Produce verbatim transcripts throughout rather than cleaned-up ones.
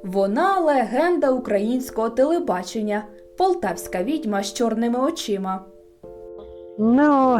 Вона – легенда українського телебачення, полтавська відьма з чорними очима. Ну,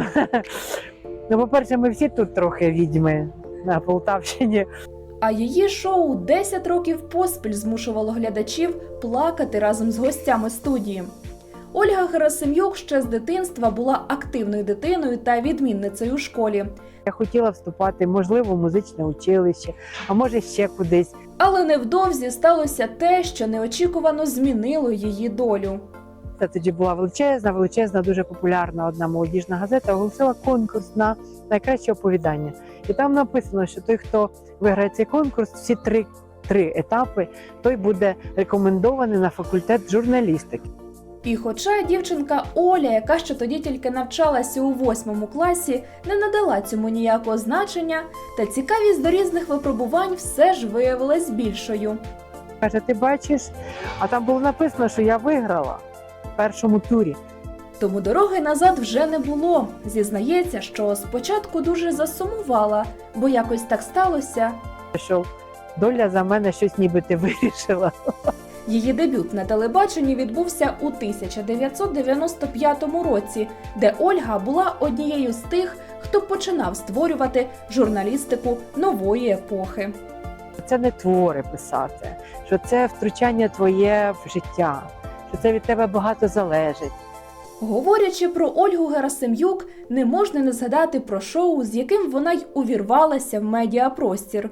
ну, по-перше, ми всі тут трохи відьми на Полтавщині. А її шоу десять років поспіль змушувало глядачів плакати разом з гостями студії. Ольга Герасим'юк ще з дитинства була активною дитиною та відмінницею у школі. Я хотіла вступати, можливо, в музичне училище, а може ще кудись. Але невдовзі сталося те, що неочікувано змінило її долю. Це тоді була величезна, величезна, дуже популярна одна молодіжна газета, оголосила конкурс на найкраще оповідання. І там написано, що той, хто виграє цей конкурс, всі три, три етапи, той буде рекомендований на факультет журналістики. І хоча дівчинка Оля, яка ще тоді тільки навчалася у восьмому класі, не надала цьому ніякого значення, та цікавість до різних випробувань все ж виявилась більшою. Каже, ти бачиш, а там було написано, що я виграла в першому турі. Тому дороги назад вже не було. Зізнається, що спочатку дуже засумувала, бо якось так сталося. Що доля за мене щось нібито вирішила. Її дебют на телебаченні відбувся у тисяча дев'ятсот дев'яносто п'ятому році, де Ольга була однією з тих, хто починав створювати журналістику нової епохи. Це не твори писати, що це втручання твоє в життя, що це від тебе багато залежить. Говорячи про Ольгу Герасим'юк, не можна не згадати про шоу, з яким вона й увірвалася в медіапростір.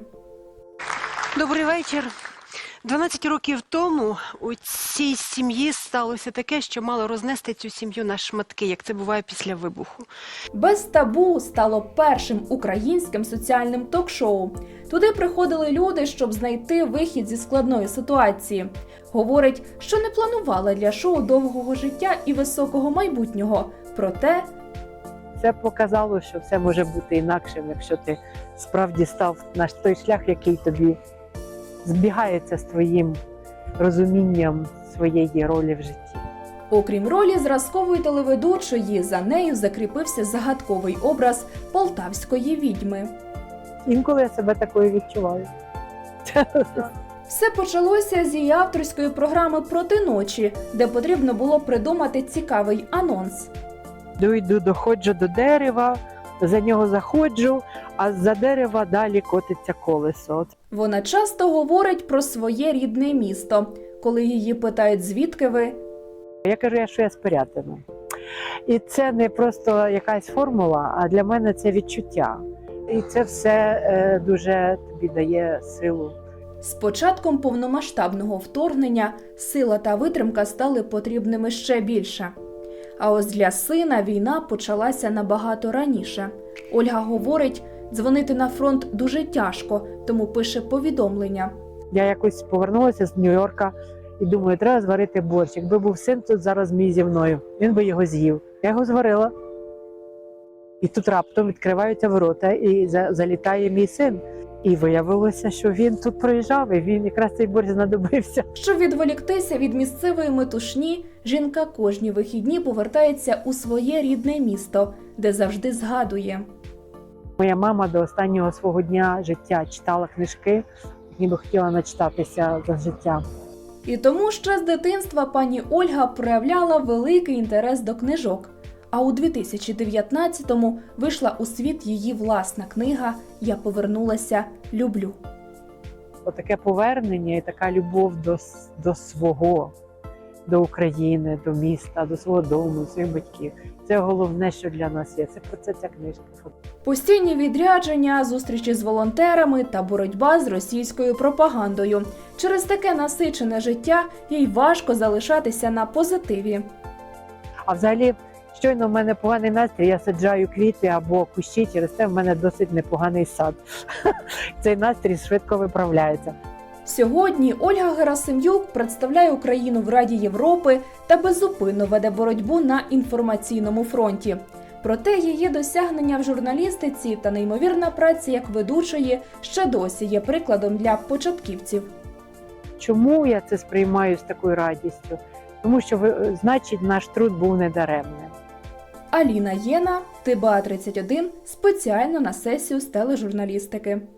Добрий вечір. дванадцять років тому у цій сім'ї сталося таке, що мало рознести цю сім'ю на шматки, як це буває після вибуху. «Без табу» стало першим українським соціальним ток-шоу. Туди приходили люди, щоб знайти вихід зі складної ситуації. Говорить, що не планувала для шоу довгого життя і високого майбутнього. Проте Це показало, що все може бути інакшим, якщо ти справді став на той шлях, який тобі збігається з твоїм розумінням своєї ролі в житті. окрім ролі зразкової телеведучої, за нею закріпився загадковий образ полтавської відьми. Інколи я себе такою відчуваю. Все почалося з її авторської програми «Проти ночі», де потрібно було придумати цікавий анонс. Йду, доходжу до дерева, за нього заходжу, а з-за дерева далі котиться колесо. Вона часто говорить про своє рідне місто. Коли її питають, звідки ви, Я кажу, я, що я з Пирятина. І це не просто якась формула, а для мене це відчуття. І це все е, дуже тобі дає силу. з початком повномасштабного вторгнення сила та витримка стали потрібними ще більше. А ось для сина війна почалася набагато раніше. Ольга говорить, дзвонити на фронт дуже тяжко, тому пише повідомлення. Я якось повернулася з Нью-Йорка і думаю, треба зварити борщ. Якби був син тут зараз мій зі мною, він би його з'їв. Я його зварила. І тут раптом відкриваються ворота і за- залітає мій син. І виявилося, що він тут проїжджав, і він якраз цей борщ знадобився. Щоб відволіктися від місцевої метушні, жінка кожні вихідні повертається у своє рідне місто, де завжди згадує. Моя мама до останнього свого дня життя читала книжки, ніби хотіла начитатися за життя. І тому ще з дитинства пані Ольга проявляла великий інтерес до книжок. А у дві тисячі дев'ятнадцятому вийшла у світ її власна книга «Я повернулася, люблю». Отаке повернення і така любов до, с- до свого, до України, до міста, до свого дому, своїх батьків. Це головне, що для нас є. Це про це ця книжка. Постійні відрядження, зустрічі з волонтерами та боротьба з російською пропагандою. Через таке насичене життя їй важко залишатися на позитиві. А взагалі, щойно в мене поганий настрій, я саджаю квіти або кущі, через це в мене досить непоганий сад. Цей настрій швидко виправляється. Сьогодні Ольга Герасим'юк представляє Україну в Раді Європи та беззупинно веде боротьбу на інформаційному фронті. Проте її досягнення в журналістиці та неймовірна праця як ведучої ще досі є прикладом для початківців. Чому я це сприймаю з такою радістю? Тому що, ви- значить, наш труд був недаремним. Аліна Єна, ТБА тридцять один, спеціально на сесію з тележурналістики.